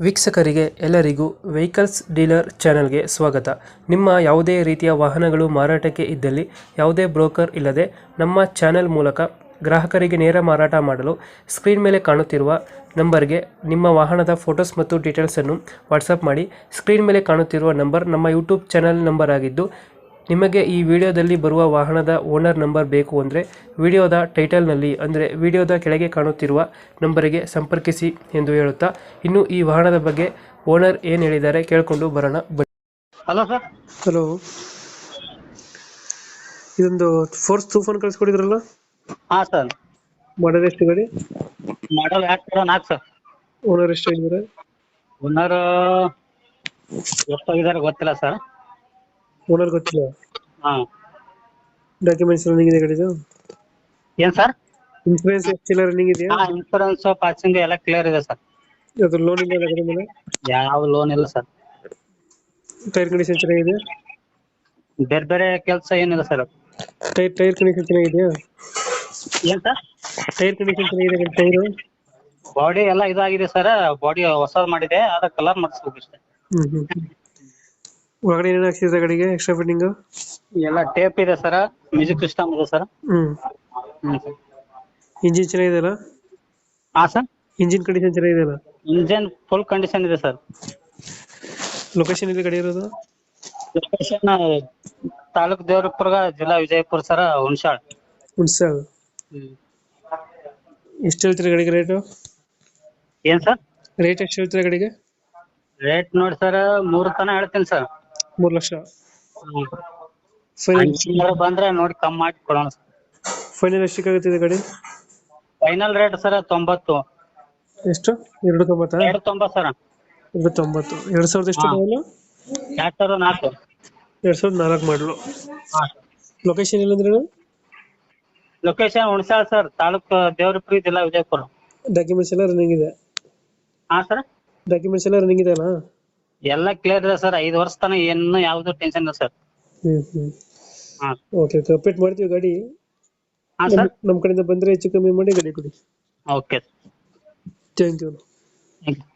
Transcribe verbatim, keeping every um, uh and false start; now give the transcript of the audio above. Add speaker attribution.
Speaker 1: ವೀಕ್ಷಕರಿಗೆ ಎಲ್ಲರಿಗೂ vehicles dealer ಚಾನೆಲ್ಗೆ ಸ್ವಾಗತ. ನಿಮ್ಮ ಯಾವುದೇ ರೀತಿಯ ವಾಹನಗಳು ಮಾರಾಟಕ್ಕೆ ಇದ್ದಲ್ಲಿ ಯಾವುದೇ ಬ್ರೋಕರ್ ಇಲ್ಲದೆ ನಮ್ಮ ಚಾನೆಲ್ ಮೂಲಕ ಗ್ರಾಹಕರಿಗೆ ನೇರ ಮಾರಾಟ ಮಾಡಲು ಸ್ಕ್ರೀನ್ ಮೇಲೆ ಕಾಣುತ್ತಿರುವ ನಂಬರ್ಗೆ ನಿಮ್ಮ ವಾಹನದ ಫೋಟೋಸ್ ಮತ್ತು ಡೀಟೇಲ್ಸನ್ನು ವಾಟ್ಸಪ್ ಮಾಡಿ. ಸ್ಕ್ರೀನ್ ಮೇಲೆ ಕಾಣುತ್ತಿರುವ ನಂಬರ್ ನಮ್ಮ ಯೂಟ್ಯೂಬ್ ಚಾನೆಲ್ ನಂಬರ್ ಆಗಿದ್ದು, ನಿಮಗೆ ಈ ವಿಡಿಯೋದಲ್ಲಿ ಬರುವ ವಾಹನದ ಓನರ್ ನಂಬರ್ ಬೇಕು ಅಂದರೆ ವಿಡಿಯೋದ ಟೈಟಲ್ನಲ್ಲಿ ಅಂದರೆ ವಿಡಿಯೋದ ಕೆಳಗೆ ಕಾಣುತ್ತಿರುವ ನಂಬರಿಗೆ ಸಂಪರ್ಕಿಸಿ ಎಂದು ಹೇಳುತ್ತಾ, ಇನ್ನು ಈ ವಾಹನದ ಬಗ್ಗೆ ಓನರ್ ಏನು ಹೇಳಿದ್ದಾರೆ ಕೇಳಿಕೊಂಡು ಬರೋಣ ಬನ್ನಿ.
Speaker 2: Hello sir.
Speaker 1: ಹಲೋ, ಇದೊಂದು ಫೋರ್ಸ್ ತೂಫಾನ್ ಕಳಿಸ್ಕೊಡಿದ್ರಲ್ಲ,
Speaker 2: ಹಾ ಸರ್.
Speaker 1: ಮಾಡಲ್ ಎಷ್ಟು ಗಾಡಿ?
Speaker 2: ಮಾಡಲ್ ಎರಡ್ ಸಾವಿರ ನಾಲ್ಕು ಸರ್.
Speaker 1: ಓನರ್ ಎಷ್ಟು ಆಗಿದ್ದಾರೆ?
Speaker 2: ಓನರ್ ಎಷ್ಟಾಗಿದ್ದಾರೆ ಗೊತ್ತಿಲ್ಲ ಸರ್.
Speaker 1: ಓನರ್ ಗೊತ್ತಿಲ್ಲ.
Speaker 2: ಹಾ.
Speaker 1: ಡಾಕ್ಯುಮೆಂಟ್ಸ್ ರನ್ನಿಂಗ್ ಇದೆ ಗಾಡಿದು?
Speaker 2: ಏನ್ ಸರ್?
Speaker 1: ಇನ್ಸೂರೆನ್ಸ್ ಎಷ್ಟಿಲ್ಲ ರನ್ನಿಂಗ್ ಇದೆಯಾ?
Speaker 2: ಹಾ, ಇನ್ಶೂರೆನ್ಸ್ ಪಾಸಿಂಗ್ ಎಲ್ಲ ಕ್ಲಿಯರ್ ಇದೆ ಸರ್.
Speaker 1: ಅದು ಲೋನ್ ಇಲ್ಲ ಗಾಡಿ ಮೇಲೆ?
Speaker 2: ಯಾವ ಲೋನ್ ಇಲ್ಲ ಸರ್.
Speaker 1: ಟೈರ್ ಕಂಡೀಷನ್ ಚೆನ್ನಾಗಿದೆ?
Speaker 2: ಬೇರೆ ಬೇರೆ ಕೆಲಸ ಏನಿಲ್ಲ ಸರ್.
Speaker 1: ಟೈರ್ ಟೈರ್ ಕಂಡೀಷನ್ ಚೆನ್ನಾಗಿದೆಯಾ?
Speaker 2: ಏನ್ ಸರ್?
Speaker 1: ಟೈರ್ ಕಂಡೀಷನ್ ಚೆನ್ನಾಗಿದೆ ಟೈರು?
Speaker 2: ಬಾಡಿ ಎಲ್ಲ ಇದಾಗಿದೆ ಸರ್. ಬಾಡಿ ಹೊಸದ್ ಮಾಡಿದೆ, ಅದ ಕಲರ್ ಮಾಡಿಸ್ಬೇಕು ಇಷ್ಟೇ.
Speaker 1: ಹ್ಮ್ ಹ್ಮ್ ಹ್ಮ್. ಒಳಗಡೆ ಏನೇನು ಹಾಕ್ಸಿದ್ರೆ ಗಾಡಿಗೆ ಎಕ್ಸ್ಟ್ರಾ ಫಿಟ್ಟಿಂಗ್?
Speaker 2: ಎಲ್ಲ ಟೇಪ್ ಇದೆ ಸರ್, ಮ್ಯೂಸಿಕ್ ಸಿಸ್ಟಮ್ ಇದೆ ಸರ್.
Speaker 1: ಹ್ಮ್.
Speaker 2: ಹ್ಮ್ ಸರ್.
Speaker 1: ಇಂಜಿನ್ ಚೆನ್ನಾಗಿದೆಯಲ್ಲ?
Speaker 2: ಹಾ ಸರ್.
Speaker 1: ಇಂಜಿನ್ ಕಂಡೀಷನ್ ಚೆನ್ನಾಗಿದೆಯಲ್ಲ?
Speaker 2: ಇಂಜಿನ್ ಫುಲ್ ಕಂಡೀಷನ್ ಇದೆ ಸರ್.
Speaker 1: ಲೊಕೇಶನ್ ಇದೆ ಗಾಡಿ ಇರೋದು?
Speaker 2: ಲೊಕೇಶನ್ ತಾಲೂಕ್ ದೇವರಪುರ, ಜಿಲ್ಲಾ ವಿಜಯಪುರ ಸರ್, ಹುಣಸಾಳ್.
Speaker 1: ಹುಣಸಾಳ್.
Speaker 2: ಹ್ಮ್.
Speaker 1: ಎಷ್ಟು ಹೇಳ್ತೀರಾ ಗಾಡಿಗೆ ರೇಟು?
Speaker 2: ಏನ್ ಸರ್?
Speaker 1: ರೇಟ್ ಎಷ್ಟು ಹೇಳ್ತೀರಾ ಗಾಡಿಗೆ?
Speaker 2: ರೇಟ್ ನೋಡಿ ಸರ್, ಮೂರ್ ತನ ಹೇಳ್ತೀನಿ ಸರ್.
Speaker 1: ಮೂರು ಲಕ್ಷ ಫೈನಲ್?
Speaker 2: ಹಂಗೇನಾದ್ರು ಬಂದ್ರೆ ನೋಡಿ ಕಮ್ಮಿ ಮಾಡಿ ಕೊಡೋಣ ಸರ್.
Speaker 1: ಫೈನಲ್ ಎಷ್ಟಕ್ಕಾಗುತ್ತಿದೆ ಗಾಡಿ?
Speaker 2: ಫೈನಲ್ ರೇಟ್ ಸರ್ ತೊಂಬತ್ತು.
Speaker 1: ಎಷ್ಟು? ಎರಡು ತೊಂಬತ್ತಾ?
Speaker 2: ಎರಡು ತೊಂಬತ್ತು ಸರ್.
Speaker 1: ಎರಡು ತೊಂಬತ್ತು. ಎರಡ್ ಸಾವಿರದ ಎಷ್ಟು
Speaker 2: ಹಾ.
Speaker 1: ಮಾಡಲು?
Speaker 2: ಎರಡ್ ಸಾವಿರದ ನಾಲ್ಕು.
Speaker 1: ಎರಡ್ ಸಾವಿರದ ನಾಲ್ಕು ಮಾಡಲು.
Speaker 2: ಹಾ.
Speaker 1: ಲೊಕೇಶನ್ ಎಲ್ಲಂದ್ರೆ?
Speaker 2: ಲೊಕೇಶನ್ ಹುಣಸಾಳ್ ಸರ್, ತಾಲೂಕ್ ದೇವರಪುರ, ಜಿಲ್ಲಾ ವಿಜಯಪುರ.
Speaker 1: ಡಾಕ್ಯುಮೆಂಟ್ಸ್ ಎಲ್ಲ ರನ್ನಿಂಗ್ ಇದೆ?
Speaker 2: ಹಾ ಸರ್.
Speaker 1: ಡಾಕ್ಯುಮೆಂಟ್ಸ್ ಎಲ್ಲ ರನ್ನಿಂಗ್ ಇದೆ ಅಲ್ಲ?
Speaker 2: ಎಲ್ಲ ಕ್ಲಿಯರ್ ಇದೆ ಸರ್. ಐದು ವರ್ಷ ತನ ಏನು ಯಾವ್ದು ಟೆನ್ಷನ್ ಇಲ್ಲ ಸರ್.
Speaker 1: ಹ್ಮ್ ಹ್ಮ್.
Speaker 2: ಹಾ.
Speaker 1: ಓಕೆ ಓಕೆ, ಅಪ್ಡೇಟ್ ಮಾಡ್ತೀವಿ ಗಾಡಿ.
Speaker 2: ಹಾ ಸರ್.
Speaker 1: ನಮ್ಮ ಕಡೆಯಿಂದ ಬಂದ್ರೆ ಹೆಚ್ಚು ಕಮ್ಮಿ ಮಾಡಿ ಗಾಡಿ ಕೊಡಿ.
Speaker 2: Okay.
Speaker 1: Thank you.
Speaker 2: Thank you.